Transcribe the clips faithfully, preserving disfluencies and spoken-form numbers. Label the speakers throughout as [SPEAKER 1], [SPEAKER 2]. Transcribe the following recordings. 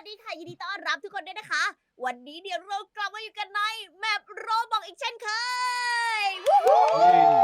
[SPEAKER 1] วัสดีค่ะยินดีต้อนรับทุกคนด้วยนะคะ วันนี้เดี๋ยวเรากลับมาอยู่กันในแมปโรบอกอีกเช่นเคยวู้ฮู้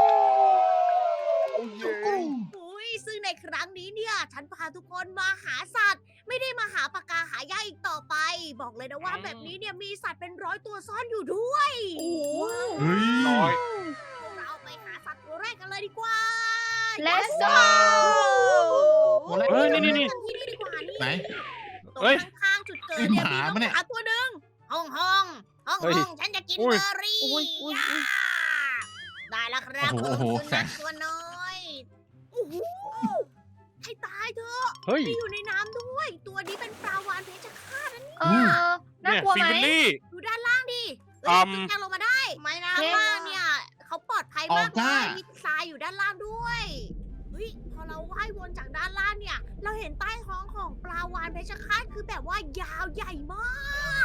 [SPEAKER 1] อุ้ยซึ่งในครั้งนี้เนี่ย ฉันพาทุกคนมาหาสัตว์ ไม่ได้มาหาปากกาหายากอีกต่อไป บอกเลยนะว่าแบบนี้เนี่ยมีสัตว์เป็นร้อยตัวซ่อนอยู่ด้วยโอ้โห
[SPEAKER 2] เฮ้ย
[SPEAKER 3] น้อย
[SPEAKER 1] เราไปหาสัตว์ตัวแรกกันเลยดีกว่า
[SPEAKER 4] Let's go
[SPEAKER 2] เฮ้ยนี่นี่
[SPEAKER 1] นี่
[SPEAKER 2] นี่
[SPEAKER 1] ที่นี่ดีกว่านี่
[SPEAKER 2] ไหน
[SPEAKER 1] ตรง
[SPEAKER 3] เฮ้ย
[SPEAKER 1] ข้างๆจุดเกิด
[SPEAKER 2] เอ้ย
[SPEAKER 1] เนี่ย
[SPEAKER 2] ห
[SPEAKER 1] มี
[SPEAKER 2] มา
[SPEAKER 1] น้อง
[SPEAKER 2] ปะเนี่ย
[SPEAKER 1] หมาตัวหนึ่งห้องห้องห้อง
[SPEAKER 3] เฮ้ย
[SPEAKER 1] ห้องฉันจะกิน
[SPEAKER 3] อุ้
[SPEAKER 1] เบ
[SPEAKER 3] ย
[SPEAKER 1] อร์รี่
[SPEAKER 4] อุ้ยอุ้ยอุ้ย
[SPEAKER 1] ย่าได้แล้วครับ
[SPEAKER 2] โอ้โหโอ้โห
[SPEAKER 1] สุ
[SPEAKER 2] แส
[SPEAKER 1] นั
[SPEAKER 2] ง
[SPEAKER 1] ขตัวน้อยโอ้โหให้ตายเถอะ
[SPEAKER 3] เฮ้ย
[SPEAKER 1] มีอยู่ในน้ำด้วย ตัวนี้เป็นปลาวาฬเพชรฆาตนะนี่
[SPEAKER 4] เออน่า
[SPEAKER 3] เนี่ย
[SPEAKER 4] กลัว
[SPEAKER 3] ฟิ
[SPEAKER 4] ไหม
[SPEAKER 3] งเบลลี่
[SPEAKER 1] ดูด้านล่างดิเฮ้ย
[SPEAKER 3] อืม
[SPEAKER 1] แจ้งลงมาได้ไม่นะข้างล่างเนี่ยเขาปลอดภัยมาก
[SPEAKER 2] ออก
[SPEAKER 1] เล
[SPEAKER 2] จ้า
[SPEAKER 1] ยมีทรายอยู่ด้านล่างด้วยเฮ้ยพอเราว่ายวนจากด้านล่างเนี่ย เราเห็นใต้ท้องของปลาวาฬเพชรฆาตคือแบบว่ายาวใหญ่มาก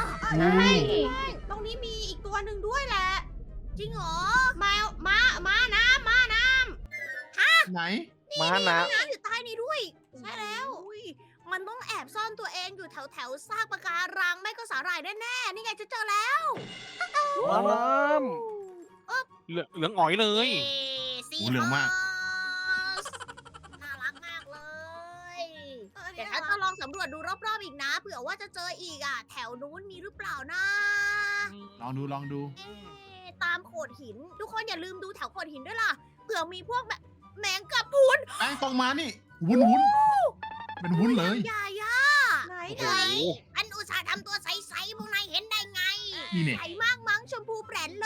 [SPEAKER 4] ใช่
[SPEAKER 1] ตรงนี้มีอีกตัวหนึ่งด้วยแหละ จริงเหรอ มา มา มาน้ำมาน้
[SPEAKER 2] ไหน
[SPEAKER 3] ม้า
[SPEAKER 1] ำ
[SPEAKER 3] นะ
[SPEAKER 1] น้ำอยู่ใต้นี้ด้วย ใช่แล้วอุ้ยมันต้องแอบซ่อนตัวเองอยู่แถวแถวๆซากปะการังไม่ก็สาหร่ายแน่ๆนี่ไงจะเจอแล้ว
[SPEAKER 3] ม้าน้ำเหลืองเหลืองอ๋อยเลย
[SPEAKER 1] เย้ซี
[SPEAKER 2] โอ้เหลืองมาก
[SPEAKER 1] ฮอสน่ารักมากเลย เดี๋ยวฉันจะลองสำรวจดูรอบๆอีกนะเผื่อว่าจะเจออีกอ่ะ แถวนู้นมีหรือเปล่านะ
[SPEAKER 2] ลองดูลองดู
[SPEAKER 1] เอ๊ะตามโขดหิน ทุกคนอย่าลืมดูแถวโขดหินด้วยล่ะเผื่อมีพวกแบบแมงกะพรุน
[SPEAKER 2] ไอ้ตรงมานี่ วุ้นวุ้นเป็นวุ้นเลย
[SPEAKER 1] ใหญ่อะไหน
[SPEAKER 3] โอ้
[SPEAKER 1] ไหน
[SPEAKER 3] โห
[SPEAKER 1] อันอุตส่าห์ทำตัวใสๆพวกนายเห็นได้ไง
[SPEAKER 2] นี่เนี่ย
[SPEAKER 1] ใสมากมั้งชมพูแปรนเลย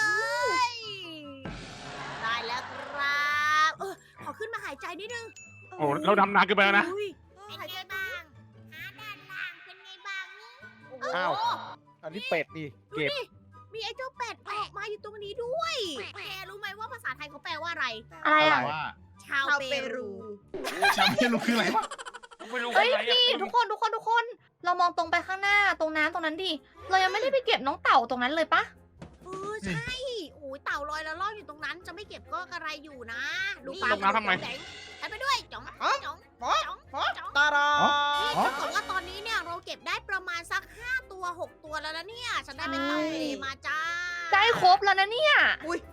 [SPEAKER 1] ได้แล้วครับเออขอขึ้นมาหายใจนิดนึง
[SPEAKER 3] โอ้เราดำนานเกินไปแล้วนะ
[SPEAKER 1] อุ้ยเป็นไงบ้างหาด้านล่างเป็นไงบ้างนี่โอ้โห
[SPEAKER 3] อ้าว อันนี้เป็ดดิ
[SPEAKER 1] ดู
[SPEAKER 3] เก็บ
[SPEAKER 1] ดิมีไอ้เจ้าเป็ดออกมาอยู่ตรงนี้ด้วยแกรู้ไหมว่าภาษาไทยเขาแปลว่าอะไร
[SPEAKER 4] อะไรอ่ะ
[SPEAKER 2] ว่า
[SPEAKER 1] ชาวเปรู
[SPEAKER 2] จำไม่รู้คืออะไรวะ
[SPEAKER 3] ไม่รู้
[SPEAKER 4] เฮ้ย
[SPEAKER 3] อะไรอะ
[SPEAKER 4] พี่ทุกคนทุกคนทุกคน เรามองตรงไปข้างหน้าตรงน้ำตรงนั้นดิ เรายังไม่ได้ไปเก็บน้องเต่าตรงนั้นเลยปะ
[SPEAKER 1] เออใช่โอ้ยเต่าลอยแล้วล่องอยู่ตรงนั้นจะไม่เก็บก็กระไรอยู่นะ ดู
[SPEAKER 3] ลงน้ำทำไม
[SPEAKER 1] แสงฉันไปด้วยจ๋องจ๋องจ๋องจ๋อง
[SPEAKER 3] ตาดา
[SPEAKER 1] นี่ถ้าเกิดว่าตอนนี้เนี่ยเราเก็บได้ประมาณสักห้าตัวหกตัวแล้วนะเนี่ยฉันได้เป็นเต่าทะเลมาจ้า
[SPEAKER 4] ได้ครบแล้วนะเนี่ย
[SPEAKER 1] อุ้ย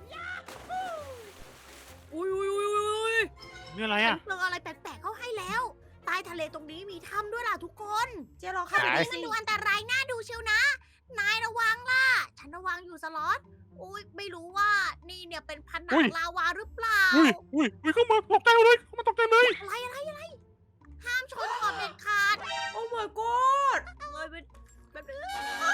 [SPEAKER 1] อุ้ยอุ้ยอุ้ย
[SPEAKER 3] นี่อะไร
[SPEAKER 1] ฉั
[SPEAKER 3] อ่ะ
[SPEAKER 1] นเจออะไรแปลกๆเข้าให้แล้วใต้ทะเลตรงนี้มีถ้ำด้วยล่ะทุกคนเจ๊ลองเข้าไป
[SPEAKER 3] ไหน
[SPEAKER 1] ดูมันดูอันตรายน่าดูเชียวนะ นายระวังล่ะ ฉันระวังอยู่สล็อตอุ้ยไม่รู้ว่านี่เนี่ยเป็นผนั
[SPEAKER 3] อุ้
[SPEAKER 1] ง
[SPEAKER 3] ย
[SPEAKER 1] ลาวาหรือเปล่า
[SPEAKER 3] อุ้ยอุ้ยอุ้ยเข้ามาตกใจเลยเข้ามาตกใจเลย
[SPEAKER 1] อะไรอะไรอะไรห้ามชนขอบเด็ดขาด โอ้ my god เลยเป็นแบบนี้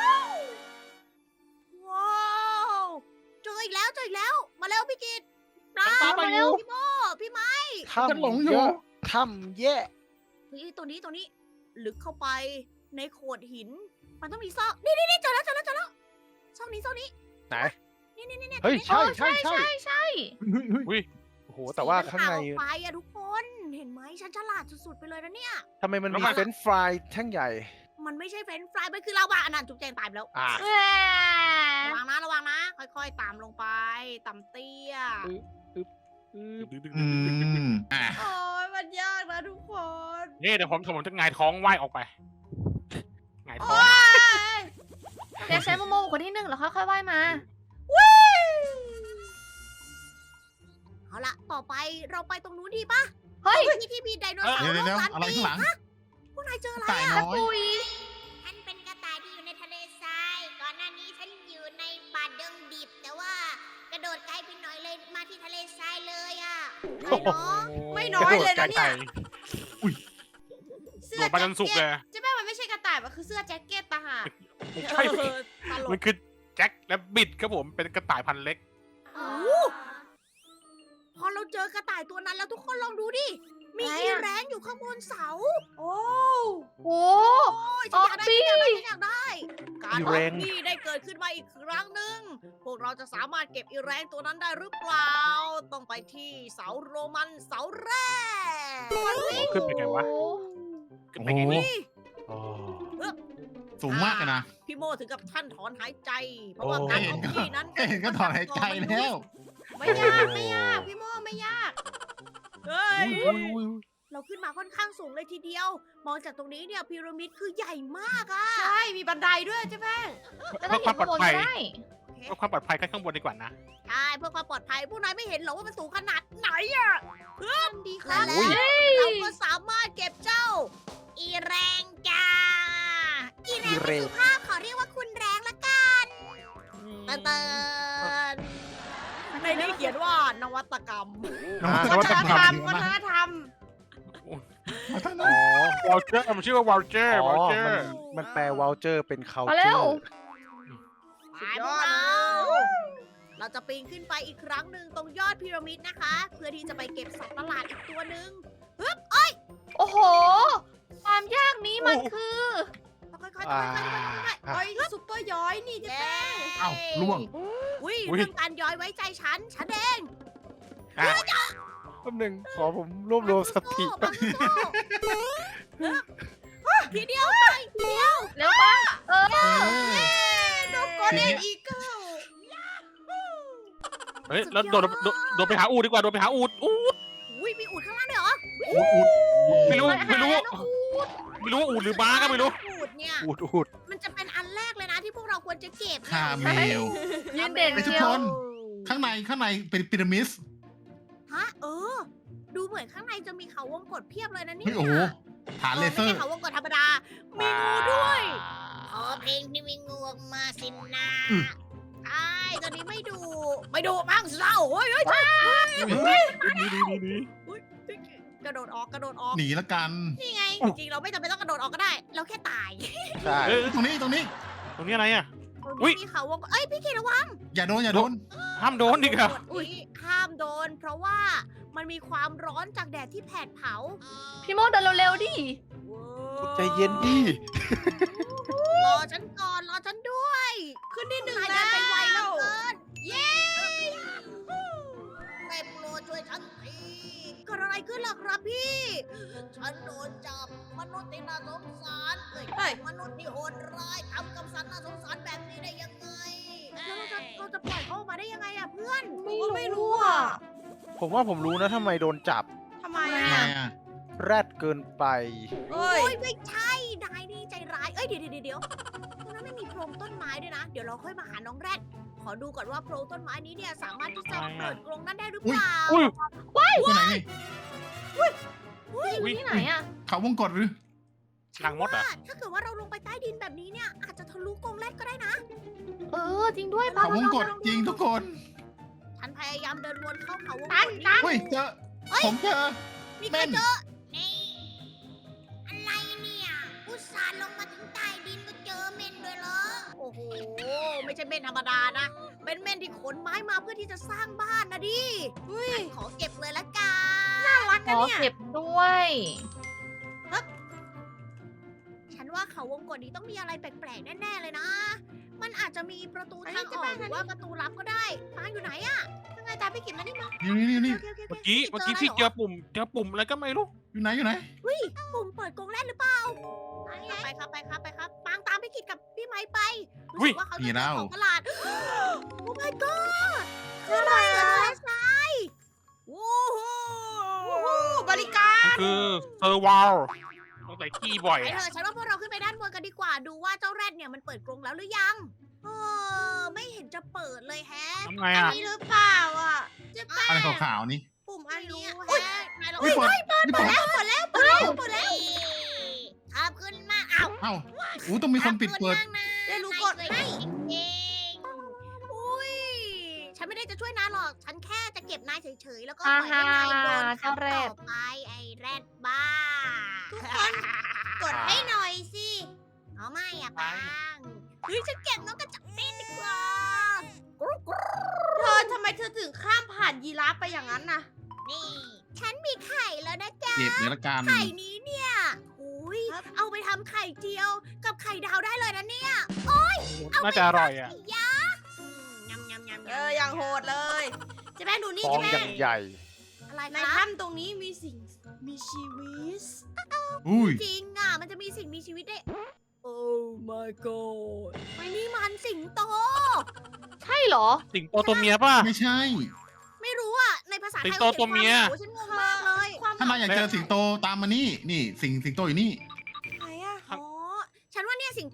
[SPEAKER 1] ว้าวเจออีกแล้วเจออีกแล้ว มาเร็วพี่กิตปลา
[SPEAKER 3] ตามมาอยู่
[SPEAKER 1] พี่โมพี่ไม้
[SPEAKER 2] ฉันหลงอยู่
[SPEAKER 3] ถ้ำแย่
[SPEAKER 1] เฮ้ยตัวนี้ตัวนี้ ลึกเข้าไปในโขดหิน มันต้องมีซอกนี่นี่นี่เจอแล้วเจอแล้วเจอแล้วซอกนี้ซอกนี้
[SPEAKER 3] ไหน
[SPEAKER 1] นี่นี่นี่นี่
[SPEAKER 3] เฮ้ย
[SPEAKER 1] ตรงนี้
[SPEAKER 3] ใช่ใช่ใช่
[SPEAKER 4] ใช่ใช่
[SPEAKER 2] เฮ้ยเฮ้ย
[SPEAKER 3] อุ้ยโอ้โหแต่ว่าข้างใน
[SPEAKER 1] สีมันขวออกไปอะทุกคน เห็นไหมฉันฉลาดสุดๆไปเลยนะเนี่ย
[SPEAKER 5] ทำไมมัน
[SPEAKER 3] แล้ว
[SPEAKER 5] มี
[SPEAKER 3] มัน
[SPEAKER 5] เฟรนช์ฟรายแท่งใหญ่
[SPEAKER 1] มันไม่ใช่เฟรนช์ฟรายมันคือลาวาอันนั้นจุกแจงตายไปแล้ว
[SPEAKER 3] อ่า
[SPEAKER 4] แหม
[SPEAKER 1] ระวังนะระวังนะ ค่อยๆตามลงไปต่ำเตี้ย
[SPEAKER 2] อืมอ่ะ
[SPEAKER 1] โอ้ยมันยากนะทุกคน
[SPEAKER 3] นี่เดี๋ยวผมผมจะหงายท้องว่ายออกไปหงายท้อง
[SPEAKER 4] เดี๋ยวใช้โมโมคนที่หนึ่งแล้วค่อยๆว่ายมา
[SPEAKER 1] เอาละต่อไปเราไปตรงนู้นดีปะ
[SPEAKER 4] เฮ้ย
[SPEAKER 1] ที่ที่มีไดโนเสาร์
[SPEAKER 2] เดี๋ยว
[SPEAKER 1] โล
[SPEAKER 2] เดี๋ยว
[SPEAKER 1] กล้าน
[SPEAKER 2] อะไร
[SPEAKER 1] ปี
[SPEAKER 2] ข้างหลัง
[SPEAKER 1] ฮะพวกนายเจออะไร
[SPEAKER 2] ตาย
[SPEAKER 1] อะ
[SPEAKER 2] น้อย
[SPEAKER 4] ปุย
[SPEAKER 1] ฉันเป็นกระต่ายที่อยู่ในทะเลทราย ก่อนหน้านี้ฉันอยู่ในป่าดงดิบ แต่ว่ากระโดดไกลไปหน่อยเลยมาที่ทะเลทรายเลยอะไม่เนาะ ไม่น้อยเลยนะเนี่ย
[SPEAKER 3] โดดไปจนสุกเลย
[SPEAKER 1] ใช่ไหมมันไม่ใช่กระต่าย มันคือเสื้อแจ็คเก็ตต่างหาก
[SPEAKER 3] ไม่ใช่
[SPEAKER 1] เออตล
[SPEAKER 3] มัน
[SPEAKER 1] ก
[SPEAKER 3] คือแจ็คและบิดครับผมเป็นกระต่ายพันธุ์เล็ก
[SPEAKER 1] โอ้โหพอเราเจอกระต่ายตัวนั้นแล้วทุกคนลองดูดิ มี
[SPEAKER 4] อะไร
[SPEAKER 1] อี
[SPEAKER 4] อะ
[SPEAKER 1] แรงอยู่ข้างบนเสา โอ้
[SPEAKER 4] โอ้
[SPEAKER 1] โอ้ยฉันอยากได้
[SPEAKER 4] ออกบี้
[SPEAKER 1] ฉันอยากได้ฉันอยากได้ การ
[SPEAKER 5] อี
[SPEAKER 1] ออ
[SPEAKER 5] แร
[SPEAKER 1] ก
[SPEAKER 5] ง
[SPEAKER 1] บี้ได้เกิดขึ้นมาอีกครั้งหนึ่ง พวกเราจะสามารถเก็บอีแรงตัวนั้นได้หรือเปล่า ต้องไปที่เสาโรมันเสาแรก
[SPEAKER 3] ขึ้นไปไงวะ ขึ้นไปไงนี่
[SPEAKER 1] นี่
[SPEAKER 5] อ๋อ
[SPEAKER 2] สูงมากเลยนะ
[SPEAKER 1] พี่โมถึงกับท่านถอนหายใจ เพราะว่า
[SPEAKER 5] โอ้
[SPEAKER 1] การออกบี้นั้น
[SPEAKER 2] แค่เห็นก็ถอนหายใจแล้ว
[SPEAKER 1] ไม่ยากไม่ยากพี่โมไม่ยาก เฮ้ย
[SPEAKER 5] อุ้ยอุ้ยอุ้ย
[SPEAKER 1] เราขึ้นมาค่อนข้างสูงเลยทีเดียว มองจากตรงนี้เนี่ยพีระมิดคือใหญ่มากอะ
[SPEAKER 6] ใช่
[SPEAKER 1] มีบันไดด้วยเจ๊แป้ง
[SPEAKER 4] แล้วถ้าอยู่ข้างบนก็ได้
[SPEAKER 3] เพื่อความปลอดภัยขึ้นข้างบนดีกว่านะ
[SPEAKER 1] ใช่เพื่อความปลอดภัยพวกนายไม่เห็นหรอว่ามันสูงขนาดไหนอะเพื่อนดีค่ะแล้วเราก็สามารถเก็บเจ้า อีแรงจ้าอีแรงเป็นสุภาพขอเรียกว่าคุณแรงละกันเตินเตินในนี้เขียนว่านวัตกรรม
[SPEAKER 2] นวัตกรรม
[SPEAKER 1] วัฒนธรรม
[SPEAKER 2] วัฒนธร
[SPEAKER 3] อ๋
[SPEAKER 2] รม
[SPEAKER 3] อวอลเจอร์มันชื่อว่าวอลเจอร์
[SPEAKER 5] อ๋
[SPEAKER 3] วอล
[SPEAKER 5] อ
[SPEAKER 3] เจอ
[SPEAKER 5] มัน
[SPEAKER 3] ร์
[SPEAKER 5] มันแปลวอลเจอร์เป็น
[SPEAKER 4] มา
[SPEAKER 5] culture
[SPEAKER 4] เร็ว
[SPEAKER 1] ไปพวกเรา เราจะปีนขึ้นไปอีกครั้งหนึ่งตรงยอดพีระมิดนะคะ เพื่อที่จะไปเก็บสัตว์ประหลาดอีกตัวหนึ่ง
[SPEAKER 4] โอ้โห ความยากนี้มันคือ
[SPEAKER 1] ค่อยๆค่อยๆค่อยๆค่อยๆค่อยๆเอ้ยซุปเปอร์ย้อยนี่เจ๊แป้ง
[SPEAKER 2] เอ้าล่วง
[SPEAKER 1] อุ้ยเรื่องการย้อยไว้ใจฉัน ฉันเอง
[SPEAKER 3] อ่ะ
[SPEAKER 5] แป๊บหนึงขอผมรวบรวมสติ
[SPEAKER 1] บังสู้ทีเดียวไปทีเดียว
[SPEAKER 4] เร็วปะเออ
[SPEAKER 2] เออ
[SPEAKER 1] โดนกอเดนอีเกิล
[SPEAKER 3] เฮ้ยแล้วโดดโดดโดดไปหาอูดดีกว่าโดดไปหาอูดอูด
[SPEAKER 1] อุ้ยมีอูดข้างล่างด้วยเหรอ
[SPEAKER 2] อุดอุด
[SPEAKER 3] ไม่รู้ไม่รู้
[SPEAKER 4] หาแล้วนะ
[SPEAKER 3] ไม่รู้ว่าอูดหรือม้าก็ไม่รู้
[SPEAKER 1] อูดเนี่ย
[SPEAKER 5] อูดอูด
[SPEAKER 1] มันจะเป็นอันแรกเลยนะที่พวกเราควรจะเก็บ
[SPEAKER 2] คาเมล
[SPEAKER 4] ยืนเด่น
[SPEAKER 2] ไอ้ทุก
[SPEAKER 4] เชีย
[SPEAKER 2] คว น ข้างในข้างในเป็นพีระมิด
[SPEAKER 1] ฮะเออ ดูเหมือนข้างในจะมีเขาวงกตเพียบเลยนะเนี่
[SPEAKER 2] เฮ้ยโอ้โหฐานเลเซอ
[SPEAKER 1] ไม่
[SPEAKER 2] ร์
[SPEAKER 1] ใช่เขาวงกตธรรมดา มีงูด้วยขอเพลงที่มีงูออกมาสินะ
[SPEAKER 2] อืม
[SPEAKER 1] ใช่ตอนนี้ไม่ดู ไม่ดูมั่งเศร้าเฮ้ยเฮ้ย
[SPEAKER 3] นี่นี่นี่นี่
[SPEAKER 1] กระโดดออกกระโดดออก
[SPEAKER 2] หนีละกัน
[SPEAKER 1] นี่ไง จริงๆเราไม่จำเป็นต้องกระโดดออกก็ได้ เราแค่ตาย
[SPEAKER 5] ใช่
[SPEAKER 3] เอ้ย
[SPEAKER 2] ตรงนี้ตรงนี้
[SPEAKER 3] ตรงนี้อะไรอ่ะ
[SPEAKER 1] ตรง
[SPEAKER 3] อุ๊ย
[SPEAKER 1] นี้มีเขาวงกตเอ้ยพี่กีระวัง
[SPEAKER 2] อย่าโดนอย่าโดน
[SPEAKER 3] ห้ามโดนดิครับ
[SPEAKER 1] กฎนี้ห้ามโดน เพราะว่ามันมีความร้อนจากแดดที่แผดเผา
[SPEAKER 4] พี่โมเดินเร็วๆดิ
[SPEAKER 5] ใจเย็นดิ
[SPEAKER 1] รอฉันก่อน รอฉันด้วย ขึ้นที่หนึ่งแล้วไปไวเหลือเกิน เย้ได้โปรดช่วยฉันทีเกิดอะไรขึ้นล่ะครับพี่ ฉันโดนจับมนุษย์ที่น่าสงสารเอ้ยมนุษย์ที่โหดร้ายทำกับสัตว์น่าสงสารแบบนี้ได้ยังไง แล้วเราจะเราจะปล่อยเขาออกมาได้ยังไงอะเพื่อน
[SPEAKER 4] ไม่รู้อ่ะ
[SPEAKER 5] ผมว่าผมรู้นะทำไมโดนจับ
[SPEAKER 1] ทำไม
[SPEAKER 2] ทำไม
[SPEAKER 1] อะ
[SPEAKER 2] อ่ะ
[SPEAKER 5] แรดเกินไป
[SPEAKER 1] โอ้ยไม่ใช่ นายนี่ใจร้าย เอ้ยเดี๋ยวเดี๋ยวเดี๋ยวตรงนั้นไม่มีโพรงต้นไม้ด้วยนะ เดี๋ยวเราค่อยมาหาน้องแรด ขอดูก่อนว่าโพรงต้นไม้นี้เนี่ยสามารถที่จะเปิดกรงนั้นได้หรือเปล่า
[SPEAKER 3] อุ้ย
[SPEAKER 2] ที่ไหนนี่
[SPEAKER 4] อยู่ที่ไหนอ่ะ
[SPEAKER 2] เขาวงกดหรือ
[SPEAKER 3] หลังมดเหรอ
[SPEAKER 1] ว่าถ้าเกิดว่าเราลงไปใต้ดินแบบนี้เนี่ยอาจจะทะลุกรงแรดก็ได้นะ
[SPEAKER 4] เออ จริงด้วยปะ
[SPEAKER 2] เขาวงกดจริงทุกคน
[SPEAKER 1] ฉันพยายามเดินวนเข้าเขาวงก
[SPEAKER 4] ตั
[SPEAKER 1] ต
[SPEAKER 4] น
[SPEAKER 1] นี้
[SPEAKER 4] ตัน
[SPEAKER 2] เฮ้ยเจอ ผมเจอ
[SPEAKER 1] มีใครเจอ นี่ อะไรเนี่ย อุตส่าห์ลงมาถึงใต้ดินก็เจอเม่นด้วยเหรอ โอ้โห ไม่ใช่เม่นธรรมดานะ เป็นเม่นที่ขนไม้มาเพื่อที่จะสร้างบ้านนะดิฉันขอเก็บเลยละกัน น่ารัก
[SPEAKER 4] ข
[SPEAKER 1] นะ
[SPEAKER 4] อ
[SPEAKER 1] เนี่ย
[SPEAKER 4] เก็บด้วย
[SPEAKER 1] ฉันว่าเขาวงกตนี้ต้องมีอะไรแปลกๆแน่ๆเลยนะ มันอาจจะมีประตูทางออกหรือว่าประตูลับก็ได้ปางอยู่ไหนอะยังไงตามพี่กิจมานี่มา
[SPEAKER 2] นี่นี่นี่
[SPEAKER 1] โอเคโอเคโค
[SPEAKER 3] เมื่อกี้เมื่อกี้พี่เจอปุ่มเจอปุ่มอะไรก็ไม่รู้
[SPEAKER 2] อยู่ไหนอยู่ไหน
[SPEAKER 1] ปุ่มเปิดกรงแรกหรือเปล่าไปครับไปครับไปครับปางตามพี่กิจกับพี่ไม้ไปรู้
[SPEAKER 3] อุ๊
[SPEAKER 1] สึ
[SPEAKER 3] ย
[SPEAKER 1] กว่าเขา
[SPEAKER 2] มี
[SPEAKER 1] จะ
[SPEAKER 2] แล้
[SPEAKER 1] เจอ
[SPEAKER 2] ว
[SPEAKER 1] ของประหลาด โอ้ my god คืออะไรอะทะเลทรายโอ้โหบริการ
[SPEAKER 3] มันคือเซอร์วาลต้องใส่ขี้บ่อย
[SPEAKER 1] ไป
[SPEAKER 3] อะ
[SPEAKER 1] เถอะฉันว่าพวกเราขึ้นไปด้านบนกันดีกว่า ดูว่าเจ้าแรดเนี่ยมันเปิดกรงแล้วหรือยัง เออไม่เห็นจะเปิดเลยแฮะ
[SPEAKER 3] ทำไงอ่ะ
[SPEAKER 1] นี่หรือเปล่าอ่ะเจ๊แป้
[SPEAKER 2] อะไร
[SPEAKER 1] ง
[SPEAKER 2] ขาวๆนี่
[SPEAKER 1] ปุ่มอันนี้แฮะนายเรา
[SPEAKER 2] เฮ้ยเปิดนี่เปิด
[SPEAKER 1] แล้วเปิดแล้วเปิดแล้วเปิดแล้วขอบคุณมากอ้าว
[SPEAKER 2] เอ้าอู้ต้องมีคนปิดเปิด
[SPEAKER 1] ได้รู้กดให้จริงๆอุ้ย ฉันไม่ได้จะช่วยนายหรอก ฉันแค่จะเก็บนายเฉยๆ แล้วก็ปล่อยให้นายโดน
[SPEAKER 4] อ่า
[SPEAKER 1] ขัง
[SPEAKER 4] เจ้าแร
[SPEAKER 1] ต่
[SPEAKER 4] ด
[SPEAKER 1] อไปไอ้แรดบ้า ทุกคนกดให้หน่อยสิเอาไม่อะปังเฮ้ยฉันเก็บน้องกระจับเส้นดีกว่า
[SPEAKER 6] เธอทำไมเธอถึงข้ามผ่านยีราฟไปอย่างนั้นน่ะ
[SPEAKER 1] นี่ ฉันมีไข่แล้วนะจ๊ะ
[SPEAKER 2] เก็บเดี๋ยวละกัน
[SPEAKER 1] ไข่นี้เนี่ยอุ้ยเอาไปทำไข่เจียว กับไข่ดาวได้เลยนะเนี่ย
[SPEAKER 3] น่าจะอร่อยอ่ะ
[SPEAKER 1] ไข่ยักษ์อืมยำยำยำ
[SPEAKER 6] เอออย่างโหดเลยเจะแป้งดูนี่
[SPEAKER 5] ฟอง
[SPEAKER 6] เจะ
[SPEAKER 5] อ
[SPEAKER 6] แป้
[SPEAKER 5] ย่าง งใหญ่
[SPEAKER 1] อะไร
[SPEAKER 6] ใน
[SPEAKER 1] คะ
[SPEAKER 6] ถ้ำตรงนี้มีสิ่งมีชีวิต
[SPEAKER 2] อุ้ย
[SPEAKER 1] จริงอ่ะ มันจะมีสิ่งมีชีวิตได้ โอ้ my god ไม่นี่มันสิงโต
[SPEAKER 4] ใช่เหรอ
[SPEAKER 3] สิงโตตัวเมียป่ะ
[SPEAKER 2] ไม่ใช่
[SPEAKER 1] ไม่รู้อ่ะ ในภาษาไทย
[SPEAKER 3] สิงโตตัวเมีย
[SPEAKER 1] โอ้ฉันงงมากเลย
[SPEAKER 6] ความ
[SPEAKER 2] ถ้านายอยากเจอสิงโตตามมานี่ นี่สิงสิงโตอยู่นี่
[SPEAKER 6] ไหนอะ
[SPEAKER 1] อ๋อ ฉันว่าเนี่ยสิงโต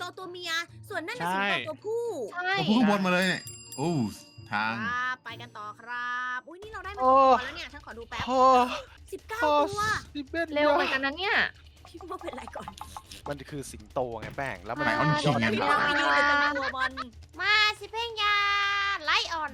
[SPEAKER 1] ตัวเมีย ส่วนนั่นน่ะสิงโตตัวผู้
[SPEAKER 4] ใช่
[SPEAKER 2] เอาพุ่งข้างบนมาเลยเนี่ยโอ้ทาง
[SPEAKER 1] ครับไปกันต่อครับ อุ้ยนี่เราได้มา
[SPEAKER 5] โอ้
[SPEAKER 1] กี่ตัวแล้วเนี่ยฉันขอดูแป๊บ
[SPEAKER 5] พ่อ
[SPEAKER 1] สิบเก้า
[SPEAKER 5] พ่อ
[SPEAKER 1] ตัว
[SPEAKER 5] สิเบ็ด
[SPEAKER 4] เร็วเหมือนกันนะเนี่ย
[SPEAKER 1] พี่ว่าเป็นไรก่อน
[SPEAKER 5] มันคือสิงโตไงแป้งแล้วมัน
[SPEAKER 2] ไหนออนคิงไง
[SPEAKER 1] พี่ว่าไปยืนในตัวมันมาสิเพ่งยาไลออน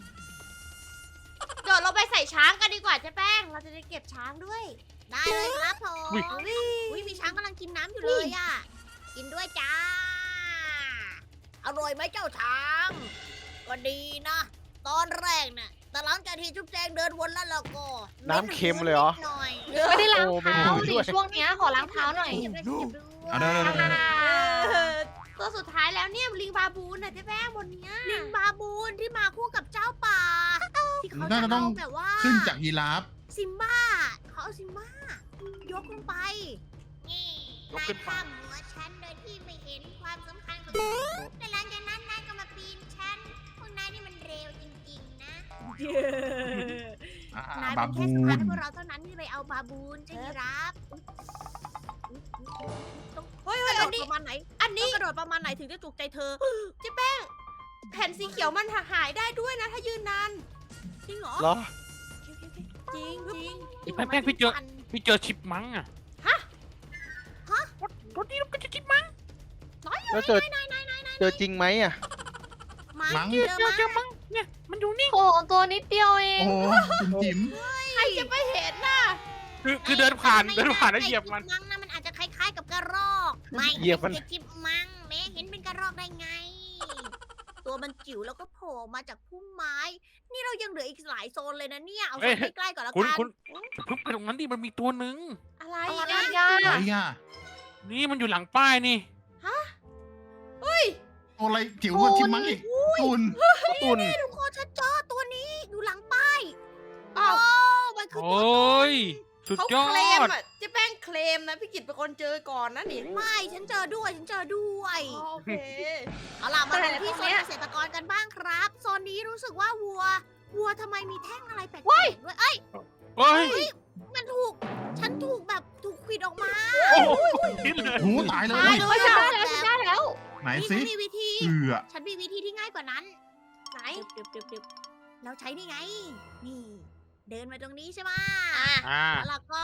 [SPEAKER 1] เดี๋ยวเราไปใส่ช้างกันดีกว่าเจ๊แป้ง เราจะได้เก็บช้างด้วย ได้เลยครับผม
[SPEAKER 3] อุ๊ย
[SPEAKER 1] อุ้ยมีช้างกำลังกินน้ำอยู่เลยอ่ะ กินด้วยจ้า อร่อยไหมเจ้าช้าง ก็ดีนะ ตอนแรกน่ะ แต่หลังจากที่จุ๊บแจงเดินวนแล้วเราก็
[SPEAKER 5] น้ำเค็มเลยเหรอ
[SPEAKER 1] นิดหน่อย
[SPEAKER 4] ไม่ได้ล้าง
[SPEAKER 5] โอ้ไม่
[SPEAKER 4] เท้า
[SPEAKER 5] ได้
[SPEAKER 4] สิ
[SPEAKER 5] ด้วย
[SPEAKER 4] ช่วงเนี้ยขอล้างเท้าหน่อย
[SPEAKER 1] เก็บได้เก็บด้วย
[SPEAKER 2] เอาได้ได้ได้ได้
[SPEAKER 1] เออตัวสุดท้ายแล้วเนี่ยลิงบาบูนน่ะเจ๊แป้งบนเนี้ยลิงบาบูนที่มาคู่กับเจ้าป่า ที่เขาจะเอาแบบว่า
[SPEAKER 2] ขึ้นจากยีราฟ
[SPEAKER 1] ซิมบ้าเขาเอาซิมบ้ายกลงไป นี่
[SPEAKER 3] ยก
[SPEAKER 1] นาย
[SPEAKER 3] ขึ้นไป
[SPEAKER 1] ข้ามหัวฉันโดยที่ไม่เห็นความสำคัญของฉันแต่หลังจากนั้นนายก็มาปีนฉัน พวกนายนี่มันเร็วจริงๆนะ
[SPEAKER 2] อ่าน
[SPEAKER 1] าย
[SPEAKER 2] บา
[SPEAKER 1] เป็น
[SPEAKER 2] บู
[SPEAKER 1] แค่สะพาน
[SPEAKER 2] น
[SPEAKER 1] ให้พวกเราเท่านั้นที่ไปเอาบาบูนใช่ไหมครับเฮ้ยเฮ้ยกระโดดประมาณไหน อันนี้กระโดดประมาณไหนถึงจะจุกใจเธอเจ๊แป้ง แผ่นสีเขียวมันหายได้ด้วยนะถ้ายืนนาน จริงเหรอ
[SPEAKER 5] เหรอ
[SPEAKER 1] จริงจริง
[SPEAKER 3] ไอ้แป้งแป้งพี่เจอ พี่เจอชิปมังอะ
[SPEAKER 1] ฮะ ฮะ
[SPEAKER 3] รถนี้รถก็จะชิปมัง
[SPEAKER 5] แล้วเจอเจอจริงไหมอ่ะ
[SPEAKER 1] มั
[SPEAKER 2] มั้
[SPEAKER 1] ง
[SPEAKER 2] ง
[SPEAKER 1] เจ
[SPEAKER 3] เจ
[SPEAKER 1] อ
[SPEAKER 3] อ
[SPEAKER 1] มั้
[SPEAKER 3] เจอมังเนี่ยมันอยู่นี่
[SPEAKER 4] โอ้ตัวนิดเดียวเอง
[SPEAKER 2] โอ้จิ๋มจิ๋ม
[SPEAKER 1] ใครจะไปเห็นน่ะ
[SPEAKER 3] คือคือเดินผ่านเดินผ่านแล้วเหยียบมัน
[SPEAKER 1] มังนะมันอาจจะคล้ายๆกับกระรอก ไม่
[SPEAKER 5] เหยียบมัน
[SPEAKER 1] ไใช่จิบมังแม่เห็นเป็นกระรอกได้ไง ตัวมันจิ๋วแล้วก็โผล่มาจากพุ่มไม้ นี่เรายังเหลืออีกหลายโซนเลยนะเนี่ย เอาโซนใกล้ๆก่อนละ
[SPEAKER 3] คุณ
[SPEAKER 1] กัน
[SPEAKER 3] คุณเพิ่งไปตรงนั้นดิมันมีตัวหนึ่ง
[SPEAKER 1] อะไร
[SPEAKER 4] อะไร
[SPEAKER 1] นะ
[SPEAKER 4] อ่ะ
[SPEAKER 2] อะไรอ่ะ
[SPEAKER 3] นี่มันอยู่หลังป้ายนี่
[SPEAKER 2] ตัวอะไรจิ๋วกว่าชิมมังอีกตุน
[SPEAKER 5] ตุน
[SPEAKER 1] ทุกคนฉันเจอตัวนี้อยู่หลังป้าย
[SPEAKER 6] อ้าว
[SPEAKER 1] โอ้มันคือ
[SPEAKER 3] โอ
[SPEAKER 1] ตัว้
[SPEAKER 3] ยสุด
[SPEAKER 6] เขา
[SPEAKER 3] ยอ
[SPEAKER 6] เคลม
[SPEAKER 3] ด
[SPEAKER 6] อ่ะเจ๊แป้งเคลมนะพี่กิตเป็นคนเจอก่อนนะนี่
[SPEAKER 1] ไม่ฉันเจอด้วย ฉันเจอด้วย
[SPEAKER 6] อ๋อโอเค
[SPEAKER 1] เอาล่ะมาดูที่โซนเกษตรกรกันบ้างครับ โซนนี้รู้สึกว่าวัว วัวทำไมมีแท่งอะไรแปลกๆด้วย เอ้ย
[SPEAKER 3] เฮ้ย
[SPEAKER 1] มันถูก ฉันถูกแบบถูกขวิดออกมา
[SPEAKER 3] โอ้โหคิดเลย
[SPEAKER 2] หูตายเล
[SPEAKER 1] ตาย
[SPEAKER 2] ย
[SPEAKER 1] เล
[SPEAKER 4] เฮ้
[SPEAKER 1] ย
[SPEAKER 4] ยฉัน
[SPEAKER 1] อะ
[SPEAKER 4] ได้แล้วฉันได้แล้ว
[SPEAKER 2] ไหน
[SPEAKER 1] นี่
[SPEAKER 2] สิ
[SPEAKER 1] ฉันมีวิธี
[SPEAKER 2] เอือ
[SPEAKER 1] ฉันมีวิธีที่ง่ายกว่านั้น
[SPEAKER 6] ไหน
[SPEAKER 1] ดึบดึบดึบเราใช้นี่ไง นี่ เดินมาตรงนี้ใช่ไหม
[SPEAKER 3] อ่า
[SPEAKER 1] แล้วเราก็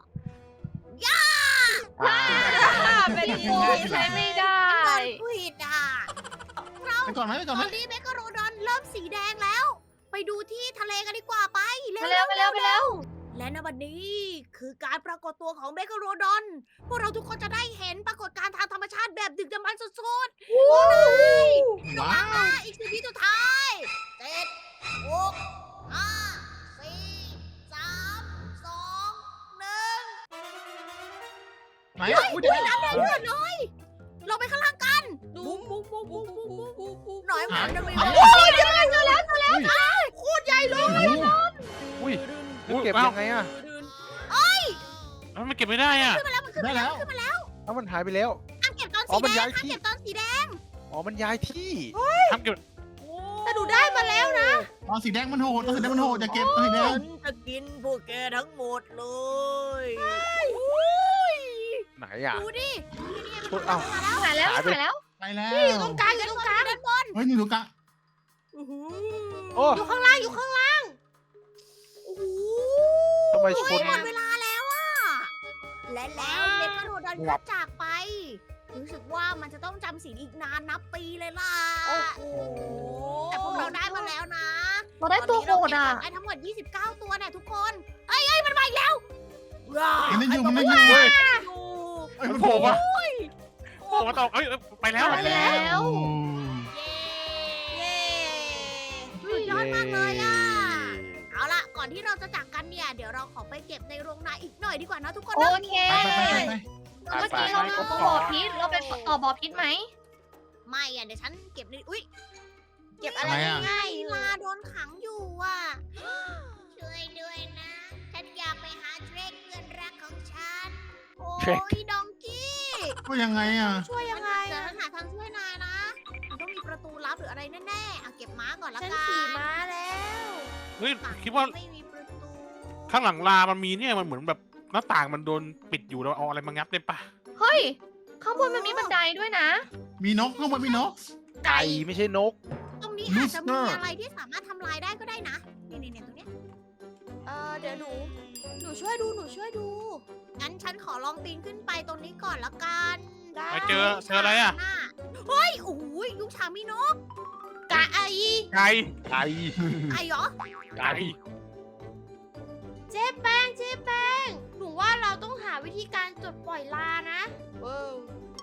[SPEAKER 5] อ่า
[SPEAKER 6] เป็น
[SPEAKER 4] โอ้ยใช้ไม่ได้
[SPEAKER 1] โดนขวิดอ่ะเรา
[SPEAKER 2] ไปก่อนไหมไปก่อน
[SPEAKER 1] ต
[SPEAKER 2] ไหม
[SPEAKER 1] อนนี้เมกะโรดอนเริ่มสีแดงแล้ว ไปดูที่ทะเลกันดีกว่าไป
[SPEAKER 4] ไปแล้วไปแล้วไปแล้ว
[SPEAKER 1] และในวันนี้คือการปรากฏตัวของเมกะโรดอน พวกเราทุกคนจะได้เห็นปรากฏการณ์ทางธรรมชาติแบบดึกดำบรรพ์สุดๆโอ้ย
[SPEAKER 2] ว้าว
[SPEAKER 1] อ่ะอีกสิบวิสุดท้ายเจ็ดหกห้าสี่สามสองหนึ่ง
[SPEAKER 2] ไหนอุ้ยเดี๋ยว
[SPEAKER 1] น้ำแดงเลือดเลยลงไปข้างล่างกัน
[SPEAKER 6] ดูปุ๊บปุ๊บปุ๊บปุ๊บปุ๊บปุ๊บปุ๊บ
[SPEAKER 1] หน่อยหมันจะมี
[SPEAKER 2] เอา
[SPEAKER 1] โอ้ยเดี๋ยวเจอแล้วเจอแล้ว
[SPEAKER 6] โคตรใหญ่เลย
[SPEAKER 5] อุ้ยแล้วเก็บยังไงอ่ะ
[SPEAKER 3] แล้วมันเก็บไม่ได้อ่ะ
[SPEAKER 1] ขึ้นมาแล้วมันขึ้น
[SPEAKER 2] ได้
[SPEAKER 1] มาแล้ว
[SPEAKER 2] แล้ว
[SPEAKER 1] ขึ้นมาแล้ว
[SPEAKER 5] เอ้ามันหายไปแล้ว
[SPEAKER 1] ห้ามเก็บตอน
[SPEAKER 5] อ๋
[SPEAKER 1] สี
[SPEAKER 5] อมัน
[SPEAKER 1] แด
[SPEAKER 5] ย้าง ย
[SPEAKER 1] ห้าม
[SPEAKER 5] ที่
[SPEAKER 1] เก็บตอนสีแดง
[SPEAKER 5] อ๋อมันย้ายที่
[SPEAKER 3] ทำเก็บ
[SPEAKER 6] แต่หนูได้มาแล้วนะ
[SPEAKER 2] ตอนสีแดงมันโหดตอนสีแดงมันโหดจะเก็บตอนสีแดง
[SPEAKER 1] ฉันจะกินพวกแกทั้งหมดเลย
[SPEAKER 5] ไหนอ่ะ
[SPEAKER 1] ดูดิ
[SPEAKER 5] โอ้ยเอ้า
[SPEAKER 4] หายแล้วหายแล้ว
[SPEAKER 2] ไปแล้ว
[SPEAKER 6] อยู่ตรงกลางอยู่ตรงกลาง
[SPEAKER 1] ด้านบน
[SPEAKER 2] เฮ้ยนี่ดูกะ
[SPEAKER 5] โอ้
[SPEAKER 6] อยู่ข้างล่างอยู่ข้างล่าง
[SPEAKER 1] โอ้โห
[SPEAKER 5] ทำไมช
[SPEAKER 1] เฮ้
[SPEAKER 5] น
[SPEAKER 1] ยหมดเวลาแล้วอะและแล้วเมกะโรดอนก็จากไป รู้สึกว่ามันจะต้องจำศีลอีกนานนับปีเลยล่ะ
[SPEAKER 6] โอ้โห
[SPEAKER 1] แต่พวกเราได้มาแล้วนะ
[SPEAKER 4] เราได้ตัวโหดอ่ะ
[SPEAKER 1] ตนนี้เราเก็บไว้ทั้งหมด ยี่สิบเก้า ตัวเนี่ยทุกคนเอ้ยเอ้ยมันมาอีกแล้วว้า
[SPEAKER 2] มันไม่อยู่มันไม่อยู่
[SPEAKER 3] เฮ้ย
[SPEAKER 1] อยู่
[SPEAKER 2] เอ้ย
[SPEAKER 3] มัน
[SPEAKER 2] มัน
[SPEAKER 3] โผ
[SPEAKER 2] โผ
[SPEAKER 3] ล่
[SPEAKER 2] ล่
[SPEAKER 3] มา
[SPEAKER 2] มา
[SPEAKER 3] โผล่มาตอกเอ้ยไปแล้ว
[SPEAKER 4] ไปแล้ว
[SPEAKER 2] โอ้
[SPEAKER 1] เย้สุดยอดมากเลยอ่ะ เอาล่ะ ก่อนที่เราจะจากกันเนี่ย เดี๋ยวเราขอไปเก็บในโรงนาอีกหน่อยดีกว่านะทุกคน
[SPEAKER 4] โอ
[SPEAKER 1] นะ
[SPEAKER 4] เค
[SPEAKER 2] ไปไปไปไปไป
[SPEAKER 4] เมื่อกี้เราต่อบ่อพิษเราไปต่อบ่อพิษไหม
[SPEAKER 1] ไม่อ่ะ เดี๋ยวฉันเก็บในอุ้ย เก็บอะไร
[SPEAKER 2] อะไรอ่ะ
[SPEAKER 1] ง่ายๆลาโดนขังอยู่อ่ะ ช่วยด้วยนะ ฉันอยากไปหาเทรคเพื่อนรักของฉัน โอ้ยดองกี้
[SPEAKER 2] ก็ยังไงอ่ะ
[SPEAKER 1] ช่วยยังไงเดี๋ยวฉันหาทางช่วยนายนะ มันต้องมีประตูลับหรืออะไรแน่ๆอ่ะเก็บม้าก่อนละ
[SPEAKER 6] ฉัน
[SPEAKER 1] กัน
[SPEAKER 6] ขี่ม้าแล้ว
[SPEAKER 3] เฮ้ย
[SPEAKER 1] ฝั่ง
[SPEAKER 3] คิดว่า
[SPEAKER 1] ไม่มีประตู
[SPEAKER 3] ข้างหลังลามันมีเนี่ยมันเหมือนแบบหน้าต่างมันโดนปิดอยู่เราเอาอะไรมางับได้ปะ
[SPEAKER 4] เฮ้ย ข้างบนมันมีบันไดด้วยนะ
[SPEAKER 2] มีนกข้างบนมีนก
[SPEAKER 5] ไก่ไม่ใช่นก
[SPEAKER 1] ตรงนี้อาจจะมี
[SPEAKER 2] Rooster
[SPEAKER 1] อะไรที่สามารถทำลายได้ก็ได้นะ นี่นี่ตรงเนี้ย
[SPEAKER 6] เออเดี๋ยวหนู หนูช่วยดู หนูช่วยดู
[SPEAKER 1] งั้นฉันขอลองปีนขึ้นไปตรงนี้ก่อนละกัน
[SPEAKER 6] ได้
[SPEAKER 3] ไปเจอเจออะไรอ่ะ
[SPEAKER 1] เฮ้ย โอ้โหยุงฉางมีนก
[SPEAKER 6] กะไอ
[SPEAKER 3] ไก่
[SPEAKER 5] ไก่
[SPEAKER 1] ไอ้เหรอ
[SPEAKER 3] ไก่
[SPEAKER 6] เจ๊แป้งเจ๊แป้ง หนูว่าเราต้องหาวิธีการจุดปล่อยลานะว้าว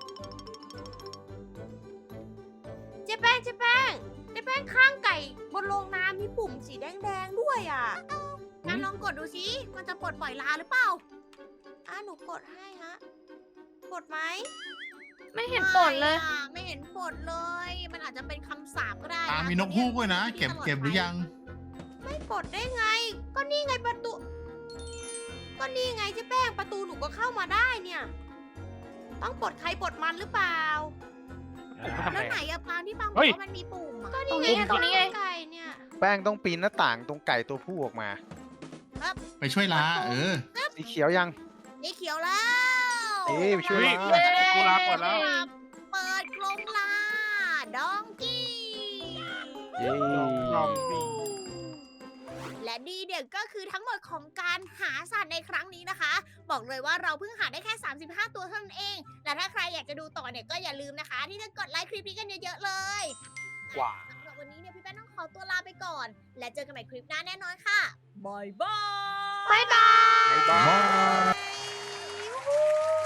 [SPEAKER 6] เจ๊แป้งเจ๊แป้งเจ๊แป้งข้างไก่บนโรงน้ำมีปุ่มสีแดงๆด้วยอ่ะ
[SPEAKER 1] งั้นลองกดดูสิ มันจะปลดปล่อยลาหรือเปล่า
[SPEAKER 6] อ่ะหนูกดให้ฮะ กดไหม
[SPEAKER 4] ไม่เห็นผลเลย
[SPEAKER 1] ไม่อะไม่เห็นผลเลย มันอาจจะเป็นคำสาปก็ได้
[SPEAKER 2] อ่า
[SPEAKER 1] นะ
[SPEAKER 2] มีนกฮูกด้วยนะ เก็บเก็บหรือยัง
[SPEAKER 6] ไม่กดได้ไง ก็นี่ไงประตู ก็นี่ไงเจ๊แป้งประตูหนูก็เข้ามาได้เนี่ย ต้องปลดใครปลดมันหรือเปล่า
[SPEAKER 3] ผมทำ
[SPEAKER 1] แล้ว
[SPEAKER 3] ไง
[SPEAKER 1] ไหนอะปางที่ปางบอ
[SPEAKER 3] เฮ้
[SPEAKER 1] ก
[SPEAKER 3] ย
[SPEAKER 1] ว่ามันมีปุ่มอะ
[SPEAKER 6] ก็นี่ไง
[SPEAKER 4] ตรงนี้ไง
[SPEAKER 6] ไก่เนี่ย
[SPEAKER 5] แป้งต้องปีนหน้าต่างตรงไก่ตัวผู้ออกมา
[SPEAKER 2] ไปช่วยลาเออ
[SPEAKER 5] สีเขียวยัง
[SPEAKER 1] นี่เขียวแล้ว
[SPEAKER 5] เอ๊ะไปช่วย
[SPEAKER 3] เฮ้ย
[SPEAKER 5] ลา
[SPEAKER 3] กูลาก่อนแล้ว
[SPEAKER 1] เปิดกรงลา ดองกี้
[SPEAKER 5] เย้
[SPEAKER 3] ลองดิ
[SPEAKER 1] และนี่เด็กก็คือทั้งหมดของการหาสัตว์ในครั้งนี้นะคะ บอกเลยว่าเราเพิ่งหาได้แค่ สามสิบห้า ตัวเท่านั้นเอง และถ้าใครอยากจะดูต่อเนี่ยก็อย่าลืมนะคะ ที่จะกดไลค์คลิปนี้กันเยอะๆเลย
[SPEAKER 3] ว้า
[SPEAKER 1] สำหรับวันนี้เนี่ยพี่แป้งต้องขอตัวลาไปก่อน และเจอกันใหม่คลิปหน้าแน่นอนค่ะบายบาย
[SPEAKER 4] บ๊ายบาย
[SPEAKER 5] บ๊ายบาย
[SPEAKER 1] ยูฮู